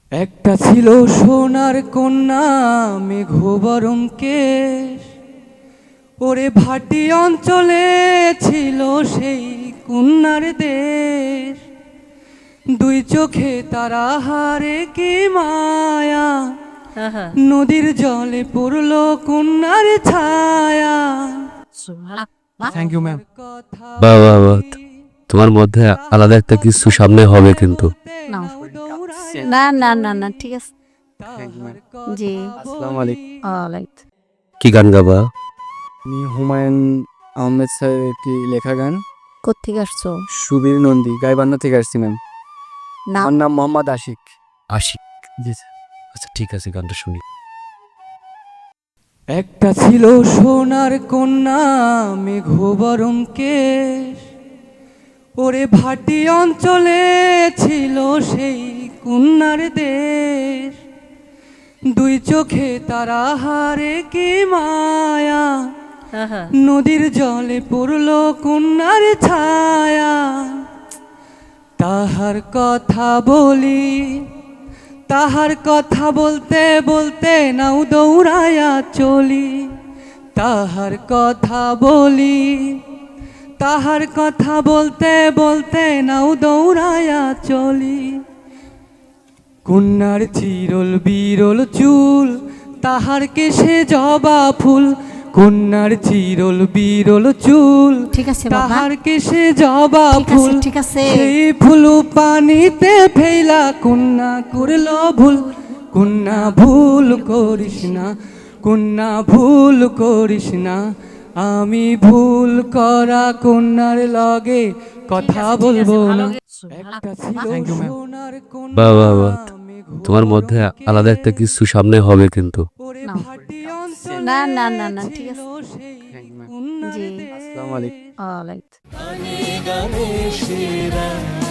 একটা ছিল সোনার কন্যা মেঘবরণ কেশ, ওরে ভাটি অঞ্চলে ছিল সেই কন্যার দেশ। দুই চোখে তারা হারে কি মায়া, নদীর জলে পড়ল কন্যার ছায়া। Thank you ma'am. বাহ বাহ বাহ, তোমার মধ্যে আলাদা একটা কিছু সামনে হবে কিন্তু। না না না না ঠিক আছে। জি আসসালামু আলাইকুম। ওয়ালাইকুম। কি গান গাবা? আমি হুমায়ুন আহমেদ স্যারের একটি লেখা গান কোত্থেকে আসছো? সুবীর নন্দী গাইবান্ধা থেকে আসছি ম্যাম। না আমার নাম মোহাম্মদ আশিক। আশিক? জি স্যার। আচ্ছা ঠিক আছে, গানটা শুনি। একটা ছিল সোনার কন্যা মেঘবরণ কেশ, ওরে ভাটি অঞ্চলে ছিল সেই কন্যার দেশ। দুই চোখে তারা হারে কি মায়া, নদীর জলে পড়ল কন্যার ছায়া। তাহার কথা বলি, তাহার কথা বলতে বলতে নাও দৌড়ায়া চলি। তাহার কথা বলি, তাহার কথা বলতে বলতে নাও দৌড়ায়া চলি। কন্যার চিরল বিরল চুল, তাহার কেশে জবা ফুল। কন্যার চিরল বিরল চুল, ঠিক আছে বাবা। তাহার কেশে জবা ঠিক আছে, ফুল। ঠিক আছে। সেই ফুল পানিতে ফেলা কন্যা করল ভুল। কন্যা ভুল করিস না, কন্যা ভুল করিস না। আমি ভুল করা কন্যার লগে কথা বলবো না। একটা ছিল Thank you, ma'am. সোনার বাহ বাহ বাহ, কন্যা তোমার মধ্যে আলাদা একটা কিছু সামনে হবে কিন্তু। ওরে না। ভাটি অঞ্চলে না না না না ঠিক আছে। ছিল সেই Thank you, ma'am. কন্যার জি দেশ। আসসালামু আলাইকুম। ওয়ালাইকুম। গানে গানে সেরা